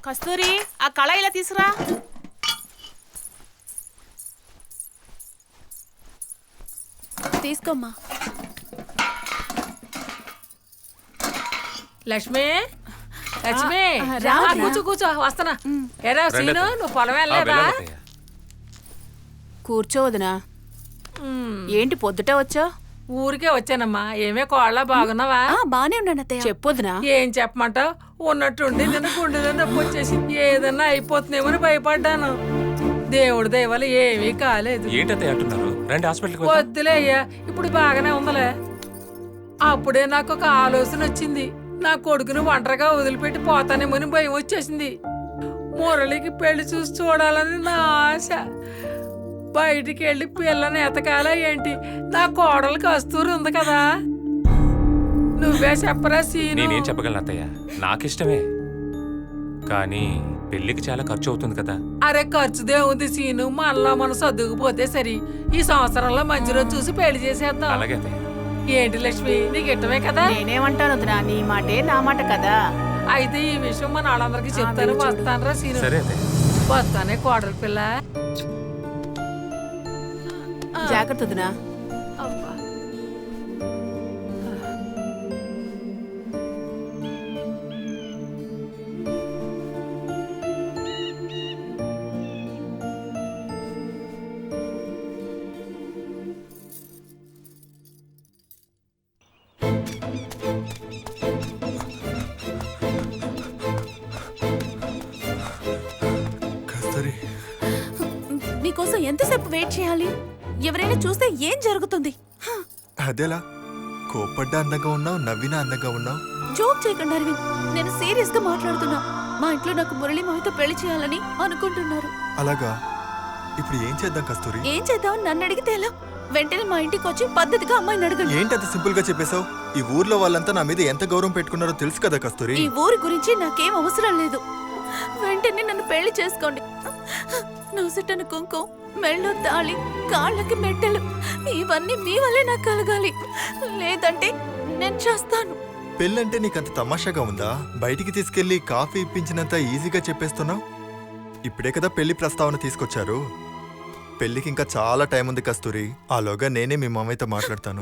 కస్తూరి ఆ కళ ఇలా తీసురా. తీసుకోమ్మా. లక్ష్మి లక్ష్మి రా, రా. కూర్చో కూర్చో వస్తానా. ఏరా సీను నువ్వు పొలం వెళ్ళలేదా? కూర్చోవదునా. ఏంటి పొద్దుట వచ్చా? ఊరికే వచ్చానమ్మా. ఏమే కోళ్ళ బాగున్నావా? బానే ఉన్నాను అత్తయ్య. చెప్పొద్దునా. ఏం చెప్పమంటావు? ఉన్నట్టుండి నిన్న గుండెలో నొప్పి వచ్చేసి ఏదన్నా అయిపోతుందేమని భయపడ్డాను. దేవుడి దయవల్ల ఏమీ కాలేదు. వద్దులే అయ్యా, ఇప్పుడు బాగానే ఉందలే. అప్పుడే నాకు ఒక ఆలోచన వచ్చింది. నా కొడుకును ఒంటరిగా వదిలిపెట్టి పోతానేమని భయం వచ్చేసింది. మురళికి పెళ్లి చూసి చూడాలని నా ఆశ. బయటికి వెళ్ళి పిల్లని ఎతకాలా ఏంటి? నా కోడలు కస్తూరి ఉంది కదా, నువ్వే చెప్పరా సీను. నేనేం చెప్పగలను అత్తయ్య, నాకిష్టమే, కానీ పెళ్లికి చాలా ఖర్చు అవుతుంది కదా. అరే ఖర్చుదే ఉంది సీను, మనలో మనం సర్దుకుపోతే సరి. ఈ సంవత్సరంలో మంచి రోజు చూసి పెళ్లి చేసేద్దాం. అలాగే అత్తయ్య. ఏంటి లక్ష్మి, నీకు ఇష్టమే కదా? నేనేమంటాను వదినా, నీ మాటే నా మాట కదా. అయితే ఈ విషయం మన వాళ్ళందరికీ చెప్తాను. వస్తానరా సీను. సరే అత్తయ్య. వస్తానే కోడలి పిల్ల. జాగ్రత్త వదినా. అబ్బా. నీకోసం ఎంతసేపు వెయిట్ చేయాలి? ఎవరైనా చూస్తే ఏం జరుగుతుంది? అదేలా కోపడ్డా అందంగా ఉన్నావు, నవ్వినా అందంగా ఉన్నావు. జోక్ చేయకండి అరవింద్, నేను సీరియస్ గా మాట్లాడుతున్నా. మా ఇంట్లో నాకు మురళి మావితో పెళ్లి చేయాలని అనుకుంటున్నారు. అలాగా, ఇప్పుడు ఏం చేద్దాం కస్తూరి? ఏం చేద్దాం నన్ను అడిగితే ఎలా? వెంటనే మా ఇంటికి వచ్చి పద్ధతిగా అమ్మాయిని అడగండి. ఏంటి అంత సింపుల్ గా చెప్పేశావు? ఈ ఊర్లో వాళ్ళంతా నా మీద ఎంత గౌరవం పెట్టుకున్నారో తెలుసు కదా కస్తూరి. ఈ ఊరి గురించి నాకేం అవసరం లేదు. వెంటనే నన్ను పెళ్లి చేసుకోండి. నూసెట్టన కుంకుమ, మెళ్ళో తాళి, కాళ్ళకి మెట్టెలు, ఇవన్నీ మీ వల్లే నాకు కలగాలి. లేదంటే నేను చేస్తాను. పెళ్ళంటే నీకంత తమాషాగా ఉందా? బయటికి తీసుకెళ్లి కాఫీ ఇప్పించినంత ఈజీగా చెప్పేస్తున్నావు. ఇప్పుడే కదా పెళ్లి ప్రస్తావన తీసుకొచ్చారు. పెళ్లికి ఇంకా చాలా టైం ఉంది కస్తూరి. ఆలోగా నేనే మీ మామయ్యతో మాట్లాడతాను.